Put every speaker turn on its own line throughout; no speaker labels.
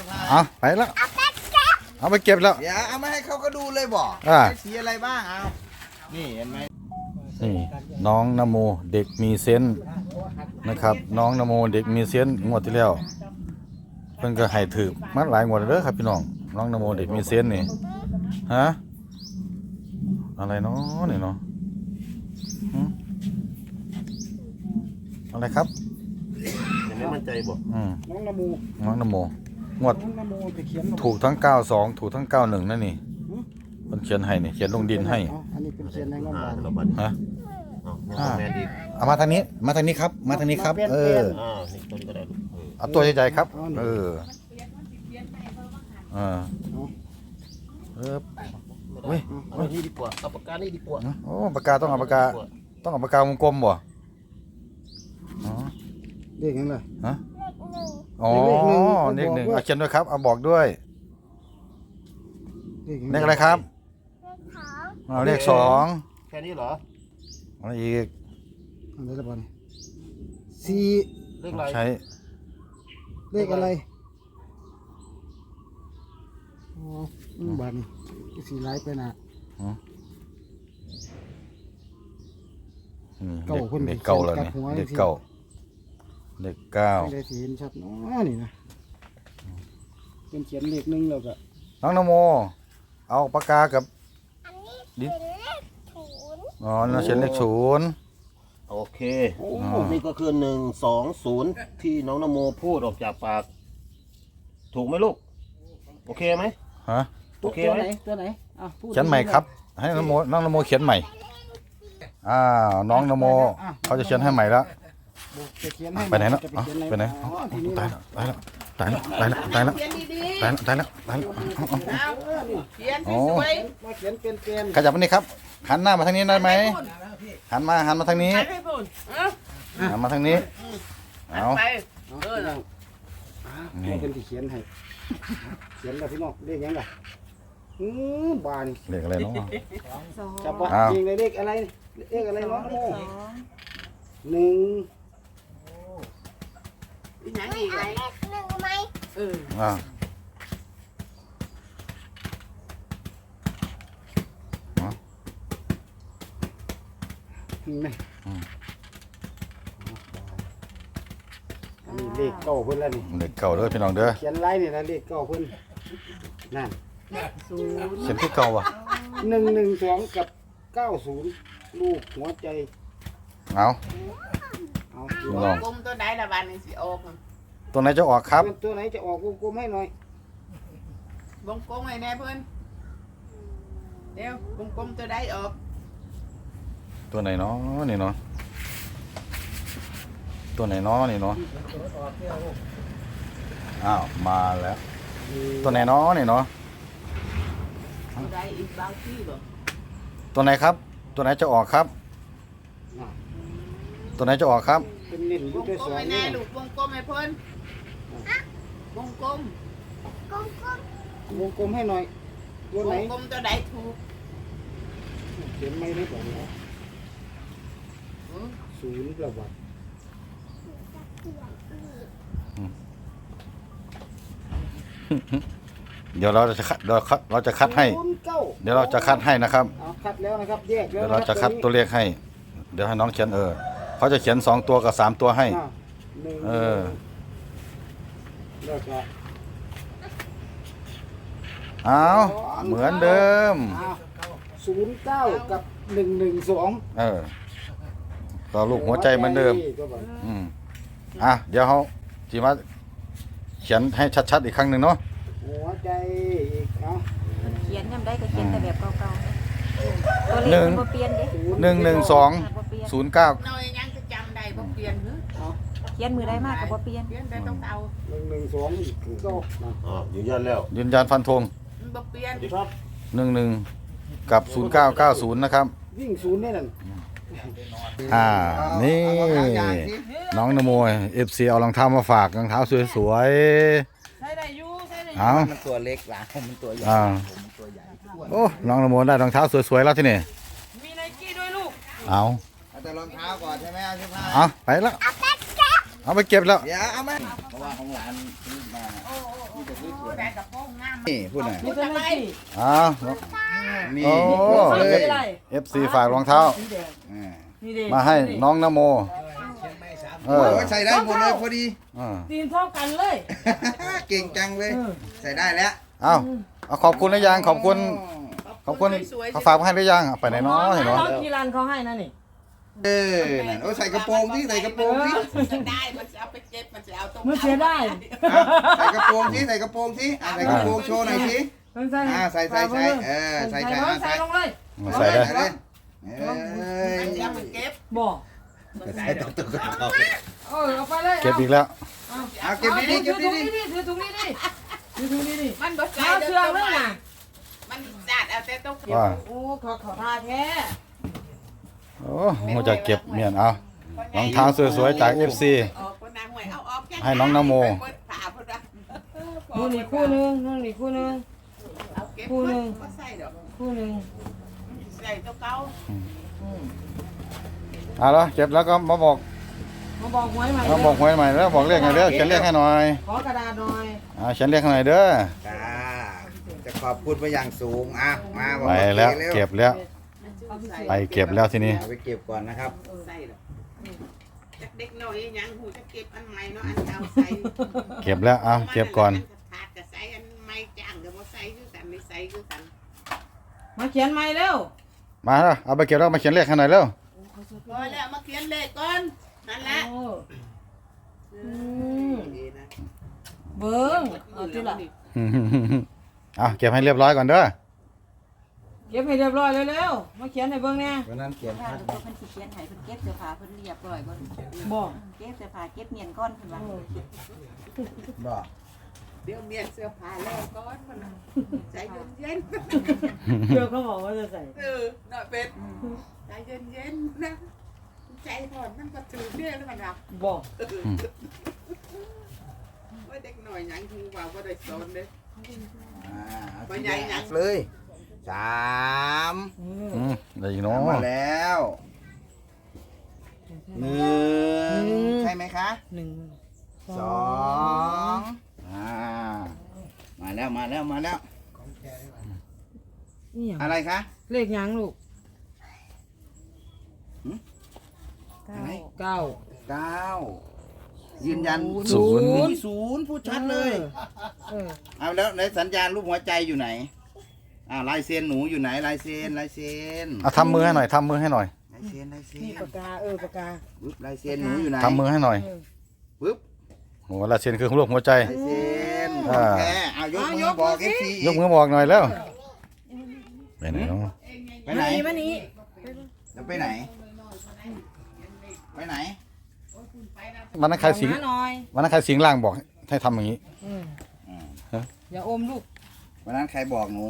เอาไปแล้วเอาไปเก็บแล้ว
เดี๋ยวเอามาให้เขาก็ดูเลยบอกสีอะไรบ้างเอานี่เห็นไหม
นี่น้องนโมเด็กมีเซนส์นะครับน้องนโมเด็กมีเซนส์งวดที่แล้วเพิ่นก็ให้ถือมาหลายงวดแล้วเด้อครับพี่น้องน้องนโมเด็กมีเซนส์นี่ฮะอะไรเนาะนี่เนาะอะไรครับ
ยังไม่มั่นใจบอก
น้องนโมงวดถูกทั้ง92ถูกทั้ง91นั่นนี่มันเขียนให้นี่เขียนลงดินให้
อันนี้เป็นเขียนในงบ
เราบัตร
ฮะ
แมนดี
เอามาทางนี้ครับมาทางนี้ครับ
นี่ต้นก็ได้
เอาตัวใหญ่ๆครับเฮ้ย
นี่ดีกว่าเอาปากกานี่ดีกว่า
โอ้ปากกาต้องเอาปากกาวงกลมบ่
เลขยังไง
ฮะอ๋อเลขหนึ่งเอาเขียนด้วยครับเอาบอกด้วยเลขอะไรครับเลข2
แค่นี้เหรอ
อะไรอีก
อะไรละบ้าง
เลขอะไร
ใช้
เลขอะไรอ๋อบ้านสีไล่ไปนะ
เด็กเก่าแล้วเนี่ยเด็กเก่า
ได้สีเห็นชัดเนาะนี่นะเป็นเขียนเลขหนึ่งแล้วก็
น้องนโมเอาปากกากับ
ดินอ๋อ
น่าเขียนเลข0
โอเคนี่ก็คือ120ที่น้องนโมพูดออกจากปากถูกไหมลูกโอเคไหม
ฮะ
โอเคไหม
ตัวไหน
เขียนใหม่ครับให้น้องนโมเขียนใหม่น้องนโมเขาจะเขียนให้ใหม่แล้วไปไหนแล้วไปไหนตายแล้ว
เขียนสวย
มาเขียนเป็น
ขยับมานี่ครับหันหน้ามาทางนี้ได้ไหมหันมาทางนี้หันมาทางนี้เอา
นี่เป็นที่เขียนให้เขียนแล้วพี่น้องเลขยังไงบาน
เลขอะไรเนาะ
จับว่าจริงเลยเลขอะไรน้อง1
ยังอีกเลข1ไหม
เลขเก่าเพิ่นแล้วนี่
เลขเก่าเด้อพี่น้องเด้อ
เขียนไล่นี่นะเลขเก่าเพิ่นนั่น
เขียนที่เก่าว่ะ
112กับ90ลูกหัวใจ
เอา
วงกลมตัวไหนละบานนี่สิออก
ตัวไหนจะออกครับ
ตัวไหนจะออกวงกลมให้หน่อยว
งกลมให้แน่เพิ่นเดี๋ยววงกลมตัวใดออก
ตัวไหนเนาะนี่เนาะตัวไหนเนาะนี่เนาะอ้าวมาแล้วตัวไหนเนาะนี่เนาะ
ตัวใดอีกบางที่บ่
ตัวไหนครับตัวไหนจะออกครับตัวไหนจะออกครับ
เป็นเล่น
วงกลมให้แน่ลูกวงกลมให้เพิ่นวงกลม
ให้หน่อยตัวไหน
วงกลมตัวใดถูก
เขียนไม่ได้บอกนะ0ประวัติ
เดี๋ยวเราจะคัดให้เดี๋ยวเราจะคัดให้นะครับ
คัดแล้วนะครับแยก
เดี๋ยวเราจะคัดตัวเลขให้เดี๋ยวให้น้องเขียนเขาจะเขียน2ตัวกับ3ตัวให้เอาเหมือนเดิม
09กับ112
ต่อลูกหัวใจเหมือนเดิมเดี๋ยวเขาจีมาเขียนให้ชัดๆอีกครั้งหนึ่งเนาะ
หัวใจอีก
เขียนยังได้ก็เขียนแต่แบบเก่าๆตัวเลขมันบ่เปลี่ยนเด้
11209
น้อยยังจะจำได้บ่เปลี่ยนหรือ
เขียนมือได้มากก็บ่เปลี่ยน
ได้ต้องเอา
112คือเก่า
ยืนยันแล้ว
ยืนยันฟันธง
บ่เปลี่ยน
ครับ
11กับ0990นะครับ
วิ่ง0นี่นั่น
นี่น้องนโม FC เอารองเท้ามาฝากรองเท้าสวย
ๆใส่ได้อยู่
มันตัวเล็กหลังมันตัวใหญ่ผมตัวใหญ่
โอ้น้องนโมได้รองเท้าสวยๆแล้วที่นี่
มีไนกี้ด้วยลูก
เอา
แต่รองเท้าก่อนใช่ไหม
ไปแล้วเอาไปเก็บแล้ว
เดี๋ยวเอามาเพราะว่าของหลานซื้อมาที่จะ
ได้กระโปรงงาม
นี่พูดหน่อย
พูดทำไม
อ้าว
นี่
โอ้ FC ฝากรองเท้า
อ่า
มาให้น้องนโมเออ
โอ้ยใส่ได้หมดเลยพอดี
ตีนเท่ากันเลย
เก่งจังเลย ใส่ได้แล้ว
เอาขอบคุณหรือยังขอบคุณเขาฝากมาให้หรือยังไปไหนเนาะเห็นเนาะ
น้องกีรันเขาให้นะนี่
นั่นโอ้ยใส่กระโปรงที่ใส่กระโปรงที่
จะได้มันจะเอาไปเก็บมันจะเอาตรง
มันเสียได้
ใส่กระโปรงที่ใส่กระโปรงที่ใส่กระโปรงโชว์หน่อยสิ
มันใส่
ใส่ใส่ใส่ใส่
ใส่ลงเลย
ใส่ได้
เลยเอ้
มัน
ย
จะเอาไปเก็บ
บอก
ใส่ตุ๊กตุ๊กเขา
เอาไปเลย
เก็บอีกแล้ว
เอาเก็บดีๆเก็บดี
ถือถุงนี้ดิถือถุงนี้ดิ
มันบ่ใส่
เอาเชือกเลยนะ
มันจัดเอาแต่ต้องเก็บ
ว่า
โอ้ขอทาแท้
โอ้โมจะเก็บเมียนเอารองเท้าสวยๆจาก FC
ออกคนนางหวยเอาออกแค่
ให้น้องนโม
ผ่าพุ่นละ
นู่นนี่คู่นึงนู่นนี่คู่นึง
เอาเก็บ
คู่หนึ่ง
ก็ใส่ดอก
คู่นึง
ใส่ตัวเก่า
เอาละเก็บแล้วก็มาบอก
มาบอกหวยใหม่
มาบอกหวยใหม่แล้วบอกเลขไงเด้อเขียนเลขให้หน่อย
ขอกระดาษหน่อย
เขียนเลขให้หน่อยเด้อ
ๆจ้าจะขอบคุณไปอย่างสูงมาบอก
ไปแล้วเก็บแล้ว
เอาไปใส่
ไปเก็บแล้วทีนี้
เอาไปเก็บก่อนนะครับ
ใส่ดอกจากเด็กน้อยยังหูจะเก็บอันใหม่เนาะอันเก่าใส่
เก็บแล้วเอาเก็บก่อน
ขาดก็ใส่อันใหม่จ้างก็บ่ใส่คือกันไม่ใส่คือกัน
มาเขียนใหม่เร็ว
มาแล้วเอาไปเก็บแล้วมาเขียนเลขให้หน่อยเร็ว
พอแล้วมาเขียนเลขก่อนนั่นแหละ
โอ้
ดีนะ
เบิ้งเอาที่ละ
เอาเก็บให้เรียบร้อยก่อนเด้อ
เก็บให้เรียบร้อยเร็วๆมาเขียนให้เบิ้งเนี่ย
วันนั้นเขียน
ถ้าดูเพิ่นสิเขียนให้เพิ่นเก็บเสื้อผ้าเพิ่นเรียบร้อยก่อน
บอก
เก็บเสื้อผ้าเก็บเมียนก้อนเพิ่นว่า
บอก
เดี๋ยวเมียนเสื้อผ้าแล้วก่อนมันใจเย็น
เดี๋ยวเขาบอกว่าจะใส่
ๆน่ะเป็ดใจเย็นๆนะใจถอนมันก็ถือเบี้ยแล้วมันรับ
บอก
ว่าเด็กหน่อยยังคือว่าบ่ได้สอนเด้
ไปใหญ่หนักเลย3
ได้อีกเนาะ
มาแล้ว1ใช่ไหมคะ
1
2มาแล้วมาแล้วมาแล้ว
นี่หยัง
อะไรคะ
เลขหยังลูก
อะไร
9
9ยืนยัน
ศูนย์
0พูดชัดเลย
เออ
เอาแล้วในสัญญาณรูปหัวใจอยู่ไหนลายเซ็นหนูอยู่ไหนลายเซ็นลายเซ็น
เอาทำมือให้หน่อยทำมือให้หน่อย
ลายเซ็นลายเซ็
นี่
น
ปากกาปากกา
ปึ๊บลายเซ็นหนูอยู่ไหน
ทำมือให้หน่อย
ปึ๊บ
โอ้ลายเซ็นคือรูปหัวใจ
ลายเซ็น
อ่า
โอเคเอายกมือบอกเอฟซี
ยกมือบอกหน่อยแล้วไปไหนเนาะ
ไปไหน
มานี่
จะไปไหนไปไหน
วันนั้นใครสิง
หน่อย
วันนั้นใครสิงล่างบอกให้ทำอย่างนี้
อย่าอมลูก
วันนั้นใครบอกหนู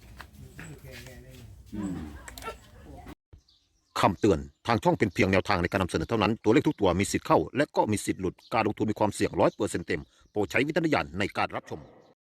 คำเตือน ทางช่องเป็นเพียงแนวทางในการนำเสนอเท่านั้น ตัวเลขทุกตัวมีสิทธิ์เข้า และก็มีสิทธิ์หลุด การลงทุนมีความเสี่ยง100%เต็ม โปรดใช้วิจารณญาณในการรับชม